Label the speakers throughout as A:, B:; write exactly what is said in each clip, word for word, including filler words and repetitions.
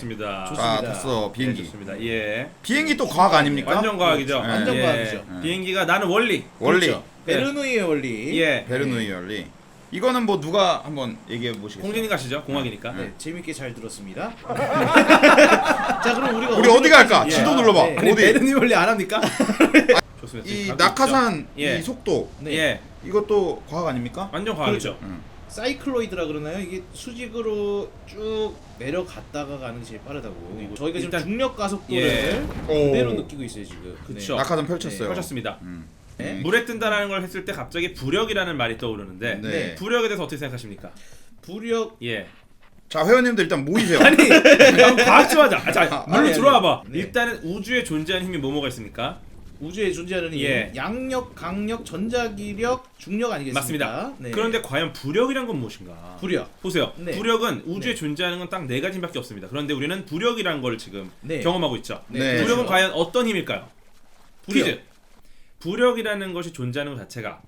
A: 좋습니다.
B: 자, 됐어. 비행기.
A: 네, 좋습니다. 예.
B: 비행기 또 과학 아닙니까?
A: 완전 과학이죠.
B: 네.
C: 완전
A: 예.
C: 과학이죠.
A: 비행기가 나는 원리.
B: 원리.
C: 그렇죠. 베르누이의 원리.
A: 예.
B: 베르누이 원리. 이거는 뭐 누가 한번 얘기해 보시겠어요?
A: 공진이 가시죠. 공학이니까.
C: 네, 재밌게 잘 들었습니다. 자, 그럼 우리가
B: 우리 어디 갈까?
A: 예.
B: 지도 눌러봐.
C: 네.
A: 아니,
B: 어디?
A: 베르니 원리 안 합니까? 좋습니다.
B: 이
A: 지금 가고
B: 낙하산
A: 있죠. 예.
B: 이 속도
C: 네.
A: 예.
B: 이것도 과학 아닙니까?
A: 완전 과학이죠.
C: 그렇죠. 사이클로이드라 그러나요? 이게 수직으로 쭉 내려갔다가 가는 게 제일 빠르다고.
A: 이거
C: 저희가 지금
A: 일단-
C: 중력 가속도를
A: 예.
C: 그대로
B: 오.
C: 느끼고 있어요 지금.
A: 그쵸.
B: 낙하산 펼쳤어요.
A: 펼쳤습니다.
B: 음.
C: 네.
A: 물에 뜬다라는 걸 했을 때 갑자기 부력이라는 말이 떠오르는데
B: 네.
A: 부력에 대해서 어떻게 생각하십니까?
C: 부력.
A: 예.
B: 자, 회원님들 일단 모이세요.
A: 아니, 그럼 과학 좀 하자. 자,
B: 아,
A: 물로
C: 아니,
A: 들어와 봐.
C: 아니. 네.
A: 일단은 우주에 존재하는 힘이 뭐뭐가 있습니까?
C: 우주에 존재하는 힘,
A: 예.
C: 양력, 강력, 전자기력, 중력 아니겠습니까?
A: 맞습니다.
C: 네.
A: 그런데 과연 부력이란 건 무엇인가?
C: 부력.
A: 보세요.
C: 네.
A: 부력은 우주에
C: 네.
A: 존재하는 건 딱 네 가지밖에 없습니다. 그런데 우리는 부력이란 걸 지금
C: 네.
A: 경험하고 있죠.
B: 네.
A: 부력은
C: 그렇죠.
A: 과연 어떤 힘일까요?
C: 부력.
A: 퀴즈. 부력이라는 것이 존재하는 것 자체가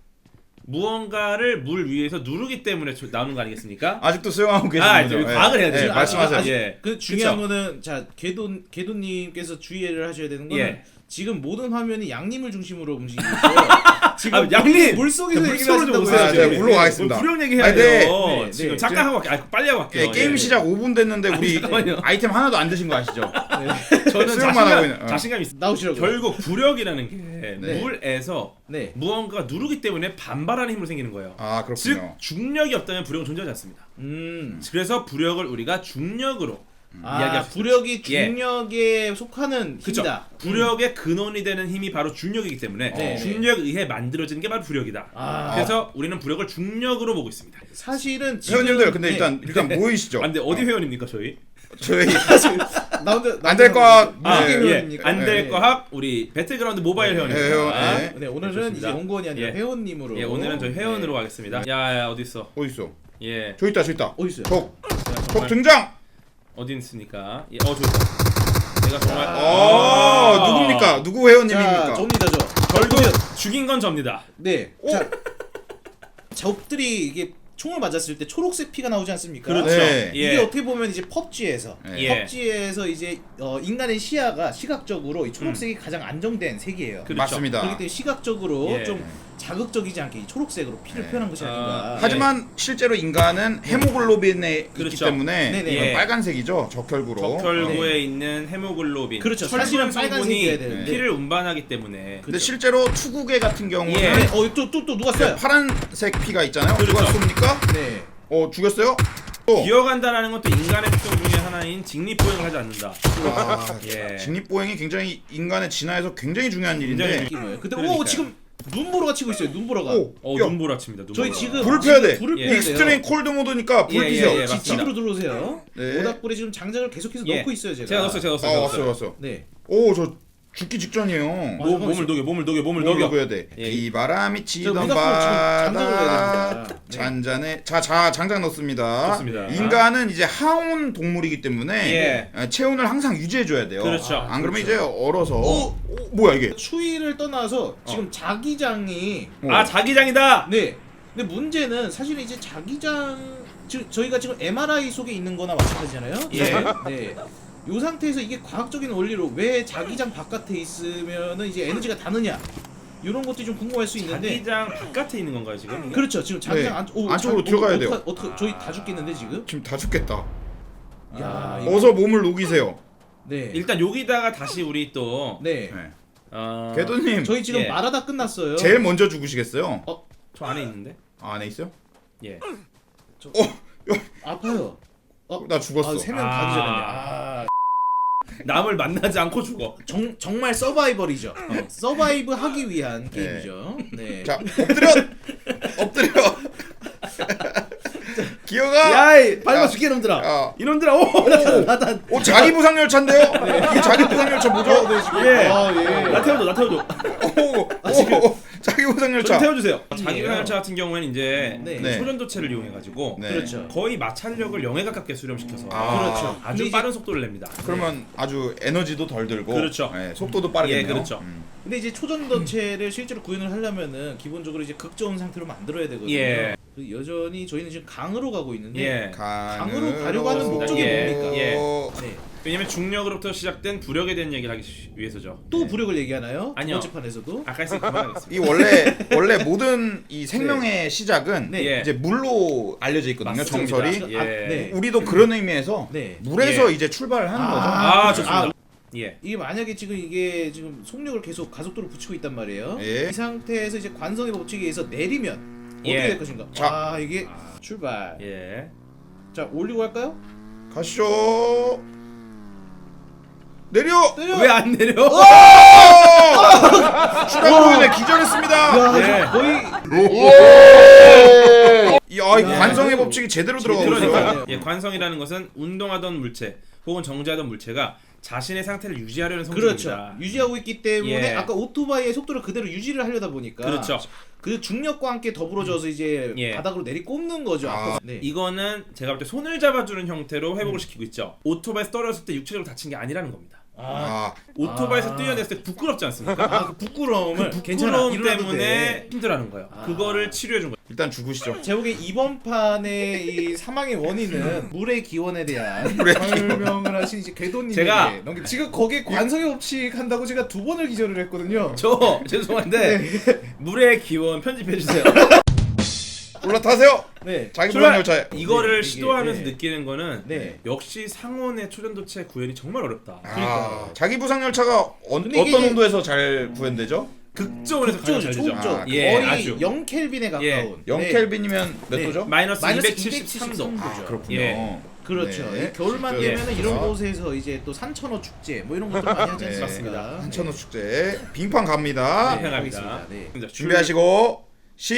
A: 무언가를 물 위에서 누르기 때문에 조- 나오는 거 아니겠습니까?
B: 아직도 수영하고 계시는군요.
A: 아, 이제 과학을 해야
B: 네,
A: 되죠.
B: 말씀하세요.
A: 아직- 예.
C: 그 중요한
A: 그쵸?
C: 거는 자 개도 개도님께서 주의를 하셔야 되는 거는
A: 예.
C: 지금 모든 화면이 양님을 중심으로 움직이고 있어요. 지금
A: 아, 양님!
C: 물 속에서
A: 물
C: 얘기를
A: 속으로 좀
C: 하신다고
A: 오세요.
B: 아,
C: 해요.
B: 네, 물로 가겠습니다.
A: 뭐 부력 얘기해야
B: 아니, 네.
A: 돼요.
C: 네,
A: 지금
C: 네.
A: 잠깐 하고 갈게요. 아, 빨리 하고 갈게요.
B: 예, 게임
A: 예.
B: 시작 오 분 됐는데 우리
A: 잠깐만요.
B: 아이템 하나도 안 드신 거 아시죠?
A: 저는
B: 수영만
A: 자신감,
B: 하고 있는- 어.
A: 자신감 있어.
C: 나오시라고.
A: 결국 부력이라는 게
C: 네.
A: 물에서
C: 네.
A: 무언가가 누르기 때문에 반발하는 힘으로 생기는 거예요.
B: 아,
A: 즉
B: 그렇군요.
A: 중력이 없다면 부력은 존재하지 않습니다.
C: 음.
A: 그래서 부력을 우리가 중력으로
C: 아,
A: 이야기할 수
C: 부력이
A: 예.
C: 중력에 속하는
A: 그쵸.
C: 힘이다.
A: 부력의 근원이 되는 힘이 바로 중력이기 때문에
C: 네.
A: 중력에 의해 만들어지는 게 바로 부력이다.
C: 아.
A: 그래서 우리는 부력을 중력으로 보고 있습니다.
C: 사실은 지금
B: 회원님들 근데
C: 네.
B: 일단 일단 모이시죠.
A: 아, 근데 어디
B: 어.
A: 회원입니까 저희?
B: 저희
C: 나 혼자
B: 안될 거야.
C: 무슨
B: 아,
C: 게임
A: 예.
C: 회원입니까?
A: 안될
C: 네.
A: 과학 우리 배틀그라운드 모바일
C: 네.
A: 회원입니다.
B: 네, 회원,
A: 아,
B: 네.
C: 네, 오늘은
A: 좋습니다.
C: 이제 온건이 아니라
A: 예.
C: 회원님으로.
A: 예, 오늘은 저희 회원으로
C: 네.
A: 가겠습니다. 야야 어디 있어?
B: 어디 있어?
A: 예.
B: 저 있다, 저 있다.
C: 어디 있어요?
B: 적,
A: 제가
B: 적
A: 정말
B: 등장.
A: 어디 있습니까? 예, 어 저기 있다. 내가 정말
B: 어, 누굽니까? 누구
C: 자,
B: 회원님입니까?
C: 접니다 저.
A: 결국 죽인 건 접니다.
C: 네. 자, 적들이 이게 총을 맞았을 때 초록색 피가 나오지 않습니까?
A: 그렇죠.
B: 네.
A: 예.
C: 이게 어떻게 보면 이제 펍지에서
B: 네.
A: 예.
C: 펍지에서 이제 어, 인간의 시야가 시각적으로 이 초록색이 가장 안정된 색이에요.
A: 그렇죠.
B: 맞습니다.
C: 그렇기 때문에 시각적으로
A: 예.
C: 좀 자극적이지 않게 이 초록색으로 피를
B: 네.
C: 표현한 것이
A: 아,
C: 아닌가.
A: 예.
B: 하지만 실제로 인간은 헤모글로빈에 있기
A: 그렇죠.
B: 때문에
C: 네네.
B: 이건
A: 예.
B: 빨간색이죠. 적혈구로.
A: 적혈구에
C: 네.
A: 있는 헤모글로빈.
C: 그렇죠.
A: 철분
C: 사실은
A: 성분이
C: 빨간색이어야 되는데.
A: 피를 운반하기 때문에.
B: 근데
C: 그렇죠.
B: 실제로 투구개 같은 경우는
A: 예.
C: 네. 어, 또 또 또 누가
B: 그
C: 써요?
B: 파란색 피가 있잖아요.
A: 그렇죠.
B: 누가 쏩니까?
C: 네.
B: 어, 죽였어요? 또.
A: 기어간다라는 것도 인간의 특성 중에 하나인 직립보행을 하지 않는다.
B: 아,
A: 예.
B: 직립보행이 굉장히 인간의 진화에서 굉장히 중요한
A: 굉장히
B: 일인데
C: 느낌이에요. 근데
A: 그러니까요.
C: 오 지금 눈보라가 치고 있어요. 눈보라가.
B: 오,
A: 어
B: 야,
A: 눈보라 칩니다. 눈보라.
C: 저희 지금
B: 불 펴야 돼.
C: 불을
A: 예.
C: 펴야 돼요.
B: 익스트림 콜드 모드니까 불
A: 예,
B: 피세요.
A: 예, 예,
C: 지-
A: 맞습니다.
C: 집으로 들어오세요.
B: 네.
C: 모닥불에 지금 장작을 계속해서
A: 예.
C: 넣고 있어요, 제가.
A: 제가 넣었어요. 제가
B: 아,
A: 넣었어요. 제가
B: 왔어,
A: 넣었어요.
B: 왔어.
C: 네.
B: 오, 저 죽기 직전이에요.
C: 아,
A: 몸, 몸을 녹여, 몸을 녹여, 몸을
B: 뭘
A: 녹여.
B: 녹여야 돼?
A: 예.
B: 이 바람이
C: 저
B: 치던
C: 모닥불 지금 장작을 넣어야
B: 바다
C: 됩니다. 네.
B: 잔잔해. 자, 자, 장작 넣습니다.
A: 좋습니다.
B: 인간은 이제 하온 동물이기 때문에
A: 예.
B: 어, 체온을 항상 유지해 줘야 돼요.
A: 그렇죠.
B: 안 그러면
C: 그렇죠.
B: 이제 얼어서
C: 오!
B: 오, 뭐야 이게?
C: 추위를 떠나서
A: 어.
C: 지금 자기장이
B: 어.
A: 아 자기장이다.
C: 네. 근데 문제는 사실 이제 자기장 지금 저희가 지금 엠알아이 속에 있는 거나 마찬가지잖아요.
A: 예.
C: 네. 요 상태에서 이게 과학적인 원리로 왜 자기장 바깥에 있으면은 이제 에너지가 다느냐 이런 것들이 좀 궁금할 수 있는데
A: 자기장 바깥에 있는 건가요 지금? 이게?
C: 그렇죠. 지금 자기장
B: 네.
C: 안, 오,
B: 안쪽으로
C: 자-
B: 들어가야
C: 오,
B: 돼요.
C: 어떡하- 어떡하- 저희 다 죽겠는데 지금?
B: 지금 다 죽겠다.
C: 야,
A: 아,
C: 이거-
B: 어서 몸을 녹이세요.
C: 네.
A: 일단 여기다가 다시 우리 또
C: 네.
B: 네.
A: 어...
B: 궤도님
C: 저희 지금
A: 예.
C: 말하다 끝났어요.
B: 제일 먼저 죽으시겠어요?
A: 저 안에 있는데.
B: 아, 안에 있어요?
A: 예.
C: 아파요. 어,
B: 나 죽었어.
C: 아, 세명
A: 아.
C: 다 기절했네. 아,
A: 남을 만나지 않고 죽어.
C: 정, 정말 서바이벌이죠. 어, 서바이브 하기 위한 게임이죠. 네.
B: 자, 엎드려. 엎드려. 기어가.
C: 야이 밟아
B: 야.
C: 죽게 놈들아.
B: 야.
A: 이놈들아 오!
C: 나단.
B: 오, 자기 부상 열차인데요? 이게 자기 부상 열차 뭐죠?
C: 네, 지금.
A: 예.
C: 아, 예.
A: 나 태워줘, 나 태워줘.
B: 오, 오, 자기 부상
A: 좀
B: 열차.
A: 태워주세요.
C: 예.
A: 자기 열차 같은 경우에는 이제
C: 네.
B: 네.
A: 소전도체를 이용해가지고
B: 네.
C: 그렇죠.
A: 거의 마찰력을 영에 가깝게 수렴시켜서
B: 아.
C: 그렇죠.
A: 아주
C: 근데
A: 빠른 속도를 냅니다.
B: 그러면 아주 에너지도 덜 들고
A: 그렇죠.
B: 네, 속도도 빠르겠네요.
A: 예, 그렇죠.
B: 음.
C: 근데 이제 초전도체를 실제로 구현을 하려면은 기본적으로 이제 극저온 상태로 만들어야 되거든요.
A: 예.
C: 그 여전히 저희는 지금 강으로 가고 있는데
A: 예.
C: 강으로 가려고 하는 목적이
A: 예.
C: 뭡니까?
A: 예.
C: 네.
A: 왜냐면 중력으로부터 시작된 부력에 대한 얘기를 하기 시- 위해서죠.
C: 또
A: 네.
C: 부력을 얘기하나요?
A: 아니요.
C: 두 번째 판에서도.
A: 아까 했으니까 그만하겠습니다.
B: 이 원래 원래 모든 이 생명의 시작은
C: 네.
A: 예.
B: 이제 물로 알려져 있거든요.
A: 맞습니다.
B: 정설이.
A: 예.
C: 아, 네.
B: 우리도 그런 의미에서
C: 네.
B: 물에서
A: 예.
B: 이제 출발을 하는 거죠.
A: 아,
C: 아,
A: 좋습니다.
C: 아,
A: 예.
C: 이게 만약에 지금 이게 지금 속력을 계속 가속도로 붙이고 있단 말이에요.
B: 예.
C: 이 상태에서 이제 관성의 법칙에 의해서 내리면 어떻게
A: 예.
C: 될 것인가?
B: 자.
C: 아 이게
A: 아.
C: 출발.
A: 예.
C: 자 올리고 할까요?
B: 가시죠. 내려.
C: 때려.
A: 왜 안 내려?
B: 출항구인에 기절했습니다.
C: 야,
A: 예.
C: 저 거의
B: 야, 이
C: 야,
B: 관성의
C: 이거
B: 법칙이 제대로 들어가고
A: 그러니까
B: 있어요.
C: 네.
A: 예, 관성이라는 것은 운동하던 물체 혹은 정지하던 물체가 자신의 상태를 유지하려는 성질입니다.
C: 그렇죠. 유지하고 있기 때문에
A: 예.
C: 아까 오토바이의 속도를 그대로 유지를 하려다 보니까
A: 그렇죠.
C: 그 중력과 함께 더불어져서 이제
A: 예.
C: 바닥으로 내리꼽는 거죠.
B: 아.
C: 앞으로. 네.
A: 이거는 제가 볼 때 손을 잡아주는 형태로 회복을 시키고 있죠. 오토바이에서 떨어졌을 때 육체적으로 다친 게 아니라는 겁니다.
C: 아,
B: 아,
A: 오토바이에서
C: 아.
A: 뛰어냈을 때 부끄럽지 않습니까?
C: 아, 그 부끄러움을
A: 그
C: 괜찮아
A: 부끄러움
C: 일어나도
A: 때문에
C: 돼.
A: 힘들어하는 거예요.
C: 아.
A: 그거를 치료해 준 거예요.
B: 일단 죽으시죠.
C: 제가 보기엔 이번 판의 이 사망의 원인은 물의 기원에 대한
B: 물의
C: 설명을 하신 이제 궤도님에게
A: 제가-
C: 넘기- 지금 거기에 관성의 법칙 한다고 제가 두 번을 기절을 했거든요.
A: 저 죄송한데 물의 기원 편집해 주세요.
B: 올라타세요.
C: 네.
B: 자기
A: 출발!
B: 부상 열차에.
A: 이거를
C: 이게-
A: 시도하면서
C: 네.
A: 느끼는 거는
C: 네.
A: 역시 상온의 초전도체 구현이 정말 어렵다.
B: 아, 자기 부상 열차가 어,
C: 근데 이게
B: 어떤
C: 이제-
B: 온도에서 잘 구현되죠?
A: 극저온에서 가장 잘 되죠.
C: 초음조
B: 아,
A: 예,
C: 거의
A: 아주.
C: 영 켈빈에 가까운
A: 예.
B: 영
C: 네.
B: 켈빈이면 몇
C: 네.
B: 도죠?
A: 마이너스
C: 마이너스
A: 이백칠십삼 도.
C: 이백칠십삼
B: 아, 그렇군요.
A: 예.
C: 그렇죠.
B: 네.
C: 이 겨울만
A: 예.
C: 되면은 이런 곳에서 이제 또 산천어 축제 뭐 이런 것들 많이 하지
B: 네.
C: 않습니까?
A: 맞습니다.
B: 한천호 축제 빙판 갑니다.
C: 네.
A: 행합니다.
C: 알겠습니다. 네.
A: 자,
B: 준비하시고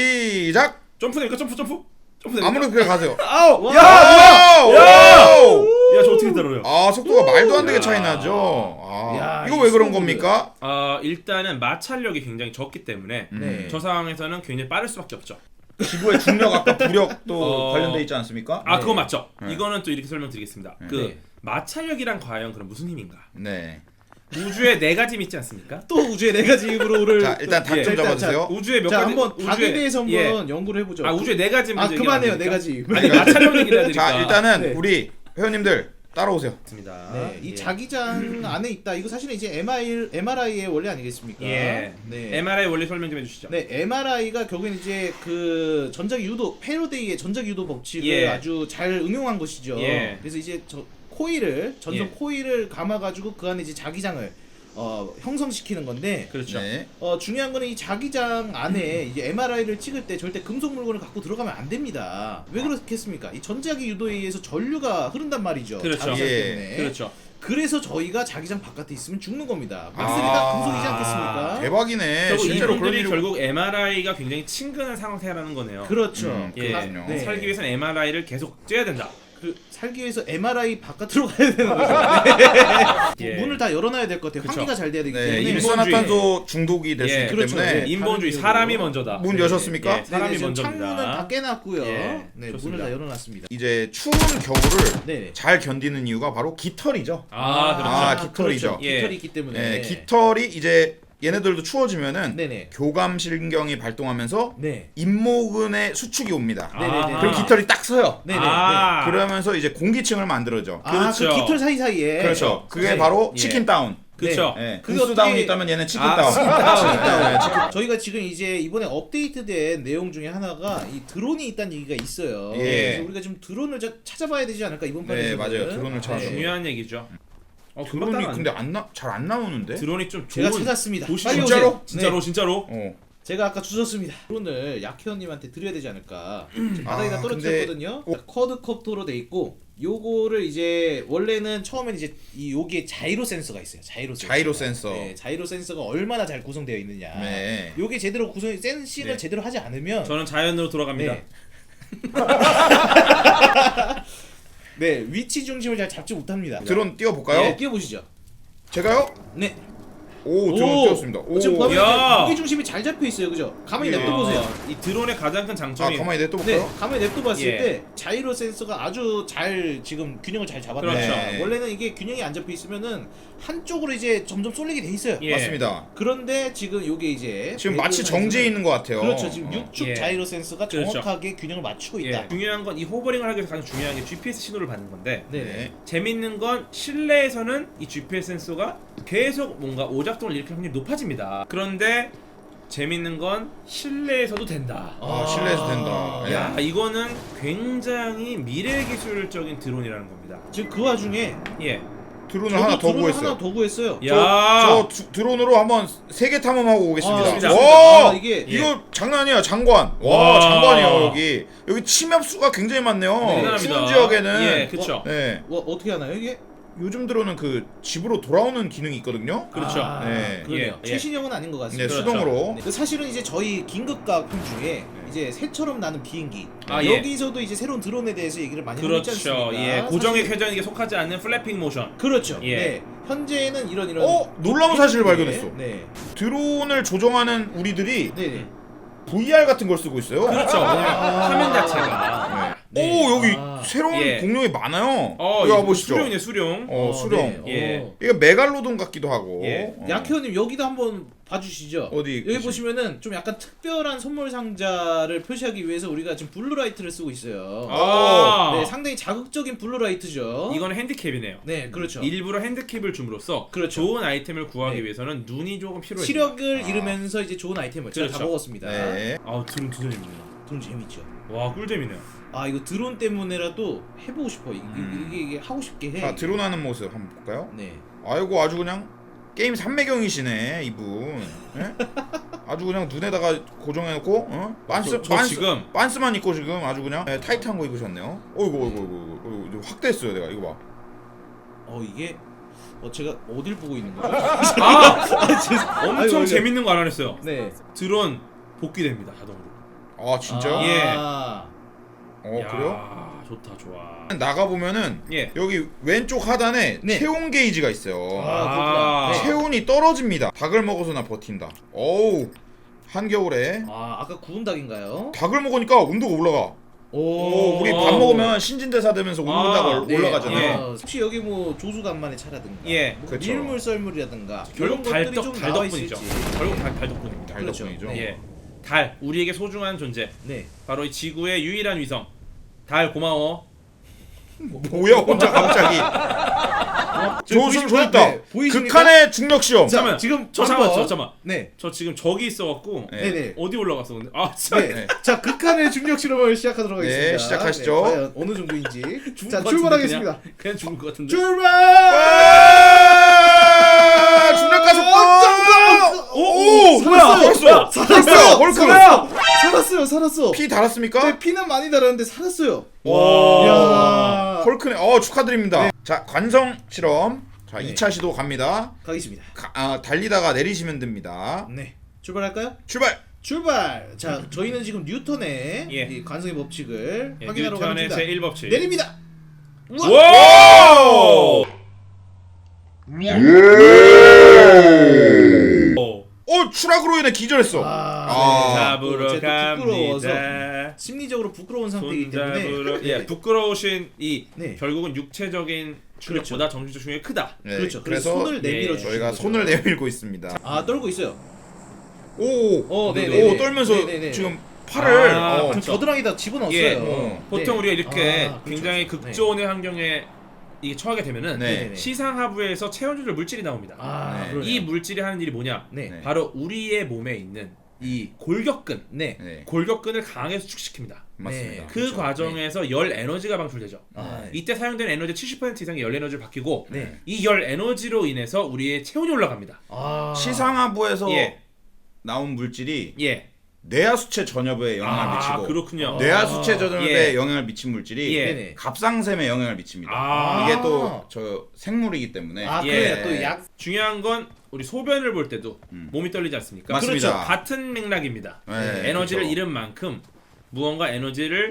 B: 시작.
A: 점프 됩니까? 점프 점프. 점프 됩니까?
B: 아무래도 그래 가세요.
A: 아우!
C: 와.
A: 야!
B: 와우! 와우!
A: 야, 저 어떻게 들어요?
B: 아, 속도가 말도 안 되게
A: 야.
B: 차이 나죠. 아,
C: 야,
B: 이거
C: 이
B: 왜 그런
C: 속도를-
B: 겁니까?
A: 어, 일단은 마찰력이 굉장히 적기 때문에
C: 네.
A: 저 상황에서는 굉장히 빠를 수밖에 없죠.
B: 지구의 중력 아까 부력도
A: 어.
B: 관련돼 있지 않습니까?
A: 아,
C: 네.
A: 그거 맞죠?
B: 네.
A: 이거는 또 이렇게 설명드리겠습니다. 그
C: 네.
A: 마찰력이란 과연 그럼 무슨 힘인가?
B: 네.
A: 우주에 네 가지 힘 있지 않습니까?
C: 또 우주의 네 가지 힘으로 오를
B: 자, 일단 닭
A: 예,
B: 좀
C: 일단
B: 잡아주세요.
A: 우주에 몇
C: 자
A: 가지
C: 한번 닭에
A: 우주에-
C: 대해서 한번
A: 예.
C: 연구를 해보죠.
A: 아, 우주에 네 가지
C: 아
A: 먼저
C: 그만해요
A: 얘기하면
C: 네
A: 됩니까?
C: 가지.
A: 아니, 마찰력 얘기를 해야 되니까.
B: 자, 일단은
C: 네.
B: 우리 회원님들 따라오세요.
A: 맞습니다.
C: 네, 이
A: 예.
C: 자기장 안에 있다. 이거 사실은 이제 엠아르아이, 엠아르아이의 원리 아니겠습니까?
A: 예.
C: 네.
A: 엠알아이 원리 설명 좀 해주시죠.
C: 네, 엠아르아이가 결국엔 이제 그 전자기 유도 패러데이의 전자기 유도 법칙을
A: 예.
C: 아주 잘 응용한 것이죠.
A: 예.
C: 그래서 이제 저 코일을 전선
A: 예.
C: 코일을 감아가지고 그 안에 이제 자기장을 어, 형성시키는 건데
A: 그렇죠.
B: 네.
C: 어, 중요한 거는 이 자기장 안에 이제 엠아르아이를 찍을 때 절대 금속 물건을 갖고 들어가면 안 됩니다. 왜 그렇겠습니까? 이 전자기 유도에 의해서 전류가 흐른단 말이죠.
A: 그렇죠.
C: 자기장
B: 예.
C: 때문에.
A: 그렇죠.
C: 그래서 저희가 자기장 바깥에 있으면 죽는 겁니다. 막스리 다 금속이지 않겠습니까?
B: 아, 대박이네.
A: 결국
B: 실제로 그런
A: 이분들이
B: 일이
A: 결국 엠알아이가 굉장히 친근한 상태라는 거네요.
C: 그렇죠.
B: 음,
A: 예.
B: 그렇군요.
C: 네.
A: 살기 위해서는 엠알아이를 계속 쬐야 된다.
C: 그 살기 위해서 엠아르아이 바깥으로 가야 되는 거죠.
A: 예.
C: 문을 다 열어놔야 될 것 같아요.
A: 그쵸.
C: 환기가 잘 돼야 되기
B: 네,
C: 때문에.
A: 일-
B: 일산화탄소 중독이 될 수
A: 예,
B: 있기
C: 그렇죠.
B: 때문에
C: 예.
A: 인본주의
C: 다른
A: 사람이
C: 이유로.
A: 먼저다.
B: 문
C: 네.
B: 여셨습니까?
A: 예, 사람이
C: 네, 지금
A: 먼저입니다.
C: 창문은 다 깨놨고요.
A: 예,
C: 네,
A: 좋습니다.
C: 문을 다 열어놨습니다.
B: 이제 추운 겨울을
C: 네.
B: 잘 견디는 이유가 바로 깃털이죠.
A: 아, 그렇죠.
B: 아, 깃털이죠.
C: 그렇죠.
A: 예.
C: 깃털이 있기 때문에.
B: 네, 깃털이 이제 얘네들도 추워지면은
C: 네네.
B: 교감신경이 발동하면서
C: 네.
B: 잇모근의 수축이 옵니다.
C: 네네네.
A: 아.
B: 그럼 깃털이 딱 서요.
C: 네네.
A: 아.
B: 그러면서 이제 공기층을 만들어져.
C: 아,
A: 그렇죠.
C: 그 깃털 사이사이에.
B: 그렇죠. 그게
C: 네.
B: 바로
A: 예.
B: 치킨 다운.
A: 그렇죠.
B: 예.
C: 그게
B: 구스
C: 어떻게-
B: 다운이 있다면 얘는 치킨
A: 아,
B: 다운.
A: 치킨 다운.
C: 치킨 다운.
B: 네, 치킨-
C: 저희가 지금 이제 이번에 업데이트된 내용 중에 하나가 이 드론이 있다는 얘기가 있어요.
B: 예.
C: 그래서 우리가 좀 드론을 자- 찾아봐야 되지 않을까 이번 판에.
B: 네, 맞아요. 드론을 찾아서.
A: 중요한 얘기죠. 어, 금방
B: 드론이
A: 따라왔네.
B: 근데 안 나 잘 안 나오는데?
A: 드론이 좀
C: 제가
A: 좋은
C: 찾았습니다.
A: 도시-
C: 빨리
B: 진짜로?
C: 오세요.
A: 진짜로
C: 네.
A: 진짜로.
B: 어.
C: 제가 아까 주셨습니다. 드론을 약회원님한테 드려야 되지 않을까. 지금 바닥에다
B: 아,
C: 떨어뜨렸거든요.
B: 근데-
C: 쿼드 컵토로 돼 있고 요거를 이제 원래는 처음엔 이제 이 여기에 자이로 센서가 있어요. 자이로 센서.
B: 자이로 센서.
C: 네, 자이로 센서가 얼마나 잘 구성되어 있느냐.
B: 네.
C: 요게 제대로 구성이 센싱을
A: 네.
C: 제대로 하지 않으면
A: 저는 자연으로 돌아갑니다.
C: 네. 네, 위치 중심을 잘 잡지 못합니다.
B: 드론 띄워 볼까요?
C: 네, 띄워보시죠.
B: 제가요?
C: 네.
B: 오 드론 띄웠습니다. 오.
C: 지금 보면
A: 야.
C: 무게 중심이 잘 잡혀 있어요, 그죠? 가만히
B: 예.
C: 냅둬 보세요.
A: 이 드론의 가장 큰
B: 아
A: 장점이
B: 가만히 냅둬
C: 네,
B: 볼까요?
C: 가만히 냅둬 봤을
A: 예.
C: 때 자이로 센서가 아주 잘 지금 균형을 잘 잡았네요.
A: 그렇죠.
B: 네.
C: 원래는 이게 균형이 안 잡혀 있으면은 한쪽으로 이제 점점 쏠리게 돼 있어요.
A: 예.
B: 맞습니다.
C: 그런데 지금 요게 이제
B: 지금 마치
C: 배그에서는
B: 정지해 있는 것 같아요.
C: 그렇죠. 지금
B: 어.
C: 육축
A: 예.
C: 자이로 센서가
A: 그렇죠.
C: 정확하게 균형을 맞추고 있다.
A: 예. 중요한 건 이 호버링을 하기 위해서 가장 중요한 게 지피에스 신호를 받는 건데
C: 네.
B: 네.
A: 재밌는 건 실내에서는 이 지피에스 센서가 계속 뭔가 오작동을 일으킬 확률이 높아집니다. 그런데 재밌는 건 실내에서도 된다.
B: 아 실내에서 된다. 예.
A: 야 이거는 굉장히 미래 기술적인 드론이라는 겁니다.
C: 지금 그 와중에
A: 예.
B: 드론을
C: 저도
B: 하나 더
C: 드론을
B: 구했어요.
C: 하나 더 구했어요.
A: 야.
B: 저, 저 두- 드론으로 한번 세계 탐험하고 오겠습니다.
C: 아,
A: 좋습니다.
B: 와
C: 아, 이게
B: 이거 장난 아니야 장관. 와,
A: 와.
B: 장관이에요 여기. 여기 침입 수가 굉장히 많네요.
A: 대단합니다.
B: 추운 지역에는.
A: 예, 그렇죠.
B: 네.
C: 뭐 어떻게 하나요 이게?
B: 요즘 들어는 그 집으로 돌아오는 기능이 있거든요.
A: 그렇죠.
C: 아,
B: 네.
C: 그러네요.
A: 예, 예.
C: 최신형은 아닌 것
B: 네,
C: 같습니다.
A: 그렇죠.
B: 수동으로.
C: 네, 그 사실은 이제 저희 긴급가품 중에 이제 새처럼 나는 비행기
A: 아, 예.
C: 여기서도 이제 새로운 드론에 대해서 얘기를 많이 하고 있지
A: 그렇죠.
C: 않습니까?
A: 예. 고정의
C: 사실-
A: 쾌전에게 속하지 않는 플래핑 모션.
C: 그렇죠.
A: 예.
C: 네. 현재는 이런 이런
B: 어 놀라운 사실을 발견했어.
C: 네.
B: 드론을 조종하는 우리들이
C: 네. 네.
B: 브이알 같은 걸 쓰고 있어요.
A: 그렇죠. 왜냐면
C: 아.
A: 화면 자체가.
B: 네.
C: 네.
B: 오 여기
C: 아.
B: 새로운
A: 예.
B: 공룡이 많아요.
A: 어,
B: 여기
A: 이거
B: 와보시죠.
A: 수룡이네 수룡.
B: 어 수령.
C: 네.
A: 예.
C: 어.
B: 이거 메갈로돈 같기도 하고.
A: 예.
B: 어.
C: 약혜원님 여기도 한번 봐주시죠.
B: 어디
C: 여기
B: 계시-
C: 보시면은 좀 약간 특별한 선물 상자를 표시하기 위해서 우리가 지금 블루라이트를 쓰고 있어요.
A: 아.
C: 네, 상당히 자극적인 블루라이트죠.
A: 이거는 핸디캡이네요.
C: 네, 그렇죠.
A: 일부러 핸드캡을 줌으로써
C: 그렇죠.
A: 좋은 아이템을 구하기
C: 네.
A: 위해서는 눈이 조금 필요해요.
C: 시력을
B: 아.
C: 잃으면서 이제 좋은 아이템을 제가 다
A: 그렇죠.
C: 먹었습니다.
B: 네.
A: 아 드론 진짜 재밌네요.
C: 드론 재밌죠.
A: 와 꿀잼이네요.
C: 아 이거 드론 때문에라도 해보고 싶어. 이-
B: 음.
C: 이게, 이게 하고 싶게 해.
B: 자 드론하는 모습 한번 볼까요?
C: 네.
B: 아이고 아주 그냥 게임 삼매경이시네 이분. 예? 아주 그냥 눈에다가 고정해놓고 어? 반스
A: 저- 저
B: 반스
A: 지금-
B: 반스만 입고 지금 아주 그냥 예, 타이트한 거 입으셨네요. 어이구 어이구 어이구 어이구 이거 확 됐어요 내가 이거 봐.
C: 어 이게 어 제가 어딜 보고 있는 거죠?
A: 아
C: 죄송-
A: 엄청
C: 아이고, 아이고.
A: 재밌는 거 알아냈어요.
C: 네.
A: 드론 복귀됩니다 자동으로.
B: 아 진짜요?
C: 아,
A: 예.
B: 어
A: 야,
B: 그래요?
A: 좋다 좋아.
B: 나가 보면은
A: 예.
B: 여기 왼쪽 하단에
C: 네.
B: 체온 게이지가 있어요.
C: 아,
A: 아.
C: 그렇구나. 네.
B: 체온이 떨어집니다. 닭을 먹어서나 버틴다. 어우 한겨울에
C: 아 아까 구운 닭인가요?
B: 닭을 먹으니까 온도가 올라가. 오, 우리 밥
A: 오.
B: 먹으면 신진대사 되면서 온도가
A: 아,
B: 올- 올라가잖아요.
A: 예.
C: 아, 혹시 여기 뭐 조수간만의 차라든가,
A: 예.
C: 뭐
B: 그렇죠.
C: 밀물 썰물이라든가
A: 결국
C: 이런 것들이
A: 달덕
C: 좀
A: 달
C: 나와
A: 덕분이죠.
C: 있을지.
A: 결국 달, 달 덕분입니다.
B: 달
C: 그렇죠.
B: 덕분이죠.
C: 네.
A: 예. 달 우리에게 소중한 존재.
C: 네.
A: 바로 이 지구의 유일한 위성. 달 고마워.
B: 뭐야 혼자 갑자기.
C: 지금
B: 조수
C: 보이십니까?
B: 조있다.
C: 네, 보이십니까?
B: 극한의 중력 시험.
C: 자,
A: 잠깐만.
C: 지금
A: 저
C: 한번-
A: 잠깐만 저 잠깐만.
C: 네.
A: 저 지금 저기 있어갖고
B: 네.
C: 네. 네.
A: 어디 올라갔어 근데? 아 진짜.
C: 네.
B: 네.
C: 자, 극한의 중력 실험을 시작하도록
B: 네,
C: 하겠습니다.
B: 시작하시죠.
C: 네, 과연 어느 정도인지.
A: 죽을
C: 자,
A: 것 같은데,
C: 출발하겠습니다.
A: 그냥, 그냥 죽을 것 같은데.
C: 출발!
B: 아, 중력 가속도.
C: 오,
B: 오,
C: 살았어요.
B: 벌써.
C: 살았어요.
B: 헐크.
C: 살았어요. 살았어요. 살았어.
B: 피 달았습니까?
C: 네, 피는 많이 달았는데 살았어요.
B: 와.
C: 이야.
B: 헐크네. 어 축하드립니다. 자 관성 실험. 자
C: 네.
B: 이 차 시도 갑니다.
C: 가겠습니다.
B: 가, 아, 달리다가 내리시면 됩니다.
C: 네. 출발할까요?
B: 출발.
C: 출발. 자, 저희는 지금 뉴턴의
A: 예.
C: 이 관성의 법칙을
A: 예,
C: 확인하러
A: 뉴턴의
C: 갑니다.
A: 제일 법칙.
C: 내립니다.
A: 와! 오.
B: 어 추락으로 인해 기절했어.
C: 아,
B: 아.
A: 잡으러
C: 제가 또 부끄러워서
A: 갑니다.
C: 심리적으로 부끄러운 상태이기
A: 손
C: 때문에
A: 잡으러.
C: 네.
A: 예, 부끄러우신 이
C: 네.
A: 결국은 육체적인 충격보다 정신적 충격이 크다.
B: 네,
C: 그렇죠. 그래서
B: 그래서
C: 손을 내밀어
A: 예,
C: 주시는
B: 저희가
C: 거죠.
B: 손을 내밀고 있습니다.
C: 아, 떨고 있어요.
B: 오,
C: 어,
A: 네,
C: 네,
A: 네,
C: 네.
B: 오 떨면서
C: 네, 네, 네.
B: 지금 팔을
A: 아,
B: 어,
A: 그렇죠.
C: 겨드랑이다 집어넣었어요.
A: 예,
B: 어.
A: 보통
C: 네.
A: 우리가 이렇게
C: 아, 그렇죠.
A: 굉장히 극조온의 환경에 이게 처하게 되면은
B: 네.
C: 네.
A: 시상하부에서 체온 조절 물질이 나옵니다.
C: 아,
B: 네.
C: 그러네요.
A: 이 물질이 하는 일이 뭐냐?
C: 네.
B: 네.
A: 바로 우리의 몸에 있는 이 골격근,
C: 네.
B: 네,
A: 골격근을 강하게 수축시킵니다.
B: 맞습니다.
A: 그
C: 그렇죠.
A: 과정에서 열 에너지가 방출되죠.
C: 아, 네.
A: 이때 사용되는 에너지 칠십 퍼센트 이상의 열 에너지를 바뀌고
C: 네.
A: 이 열 에너지로 인해서 우리의 체온이 올라갑니다.
C: 아.
B: 시상하부에서
A: 예.
B: 나온 물질이
A: 예.
B: 뇌하수체 전엽에 영향을
A: 아,
B: 미치고
A: 그렇군요.
B: 뇌하수체
C: 아.
B: 전엽에
A: 예.
B: 영향을 미친 물질이
A: 예.
C: 네네.
B: 갑상샘에 영향을 미칩니다.
A: 아.
B: 이게 또 저 생물이기 때문에
C: 아,
A: 예.
C: 그래요. 또 약.
A: 중요한 건 우리 소변을 볼 때도
B: 음.
A: 몸이 떨리지 않습니까?
B: 맞습니다.
A: 그렇죠. 같은 맥락입니다.
B: 네,
A: 에너지를
B: 그렇죠.
A: 잃은 만큼 무언가 에너지를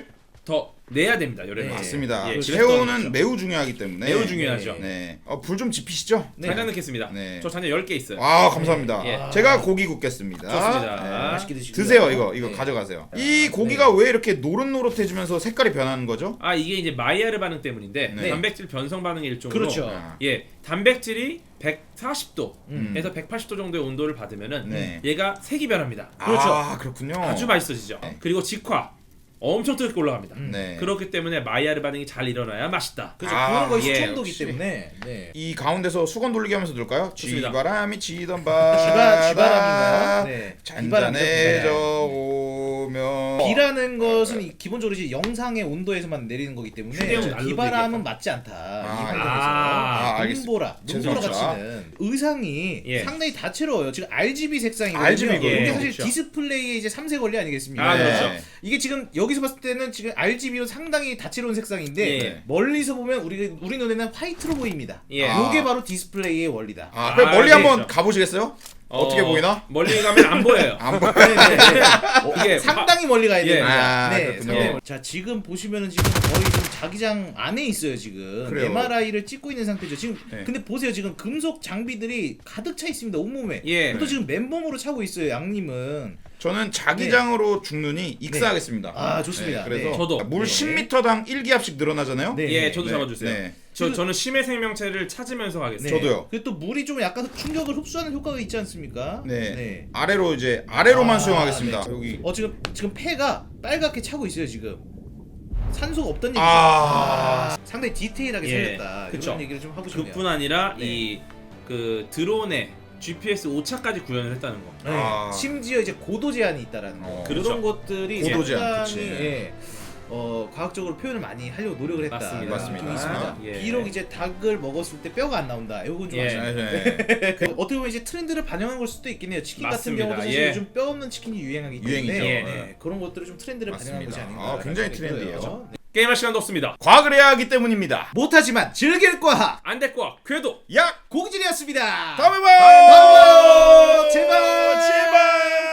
A: 더 내야 됩니다. 열에는.
C: 네.
B: 맞습니다.
A: 예,
B: 새우는 매우 중요하기 때문에
A: 매우 중요하죠.
B: 네. 어, 불 좀 지피시죠?
C: 네.
A: 잔장 넣겠습니다.
B: 네.
A: 저 잔장 열 개 있어요.
B: 아 감사합니다.
A: 예.
B: 제가 고기 굽겠습니다.
A: 좋습니다.
B: 네.
C: 맛있게 드시고요.
B: 드세요 이거 이거
C: 네.
B: 가져가세요. 이 고기가 왜 이렇게 노릇노릇해지면서 색깔이 변하는 거죠?
A: 아 이게 이제 마이야르 반응 때문인데
B: 네.
A: 단백질 변성 반응의 일종으로
C: 그렇죠.
B: 아.
A: 예 단백질이 백사십 도에서
C: 음.
A: 백팔십 도 정도의 온도를 받으면은
B: 네.
A: 얘가 색이 변합니다.
C: 그렇죠.
B: 아 그렇군요.
A: 아주 맛있어지죠.
B: 네.
A: 그리고 직화 엄청 뜨겁게 올라갑니다.
B: 네.
A: 그렇기 때문에 마이야르 반응이 잘 일어나야 맛있다.
C: 그죠.
B: 아,
C: 그거는 거의
A: 예,
C: 수천도기
B: 역시.
C: 때문에. 네.
B: 이 가운데서 수건 돌리기 하면서 넣을까요?
A: 좋습니다.
B: 쥐바람이 치던 바다
C: 쥐바 쥐바람인가요? 네.
B: 잔잔해져
C: 네.
B: 오면
C: 비라는 것은 이- 기본적으로 이제 영상의 온도에서만 내리는 거기 때문에
A: 휴대용
C: 저
A: 난로도
C: 비바람은
A: 얘기했다.
C: 맞지 않다.
B: 아,
C: 이 환경에서
A: 아,
B: 알겠습니다.
C: 눈보라, 눈보라
B: 죄송합니다.
C: 같이는 의상이
A: 예.
C: 상당히 다채로워요. 지금 알지비 색상이거든요.
B: 알지비 거든요.
C: 이게 사실
A: 그렇죠.
C: 디스플레이의 이제 삼색 원리 아니겠습니까?
A: 아,
B: 네.
A: 그렇죠.
C: 이게 지금 여기서 봤을 때는 지금 알지비로 상당히 다채로운 색상인데
A: 예.
C: 멀리서 보면 우리 우리 눈에는 화이트로 보입니다.
A: 예.
C: 이게 바로 디스플레이의 원리다.
B: 아, 그럼
A: 아,
B: 멀리
A: 네,
B: 한번
A: 그렇죠.
B: 가보시겠어요? 어떻게 보이나?
A: 멀리 가면 안 보여요.
B: 안 보여.
C: 네, 네, 네. 어,
A: 이게
C: 상당히 멀리 가야
A: 예.
C: 됩니다.
B: 아,
C: 네,
B: 그렇군요.
C: 상당히 멀리. 자, 지금 보시면은 지금 거의 지금 자기장 안에 있어요 지금.
B: 그래요.
C: 엠알아이를 찍고 있는 상태죠. 지금
B: 네.
C: 근데 보세요 지금 금속 장비들이 가득 차 있습니다 온몸에.
A: 예.
C: 또 지금 맨몸으로 차고 있어요 양님은.
B: 저는 자기장으로 죽느니 익사하겠습니다.
C: 아, 좋습니다.
B: 그래서
C: 네.
A: 저도.
B: 물
C: 네.
B: 십 미터당 일 기압씩 늘어나잖아요.
C: 네.
A: 예, 저도
B: 네,
A: 잡아주세요.
B: 네.
A: 저 저는 심해 생명체를 찾으면서 가겠습니다.
C: 네.
B: 저도요.
C: 그리고 또 물이 좀 약간 충격을 흡수하는 효과가 있지 않습니까?
B: 네. 아래로 이제 아래로만
C: 아,
B: 수용하겠습니다.
C: 네.
B: 여기.
C: 어 지금 지금 폐가 빨갛게 차고 있어요 지금. 산소가 없던 얘기죠.
B: 아.
C: 아, 상당히 디테일하게
A: 예,
C: 살렸다.
A: 그쵸.
C: 이런 얘기를 좀 하고 싶네요.
A: 그뿐 아니라
C: 네.
A: 이 그 드론의 지피에스 오차까지 구현을 했다는 거.
C: 네.
B: 아.
C: 심지어 이제 고도 제한이 있다라는 거.
B: 어,
C: 그런
A: 그렇죠.
C: 것들이
B: 고도 제한,
C: 상당히
B: 그치.
C: 예, 어, 과학적으로 표현을 많이 하려고 노력을 했다.
A: 맞습니다.
B: 맞습니다.
C: 좀 있습니다.
A: 예.
C: 비록 이제 닭을 먹었을 때 뼈가 안 나온다. 이건 좀
A: 예.
C: 아쉽네요.
B: 네, 네.
C: 그 어떻게 보면 이제 트렌드를 반영한 걸 수도 있겠네요. 치킨
A: 맞습니다.
C: 같은 경우도 사실
A: 예.
C: 요즘 뼈 없는 치킨이 유행하기 때문에
B: 유행이죠.
C: 네,
A: 예.
C: 그런 것들을 좀 트렌드를 반영한 것이
B: 맞습니다.
C: 아닌가.
B: 아, 굉장히
C: 생각이
B: 트렌디해요.
C: 들어요. 네.
A: 게임할 시간도 없습니다.
B: 과학을 해야 하기 때문입니다.
C: 못하지만 즐길 과학
A: 안 될 거야. 궤도.
B: 야!
C: 고기질이었습니다.
B: 다음에 봐요!
C: 제발
B: 제발!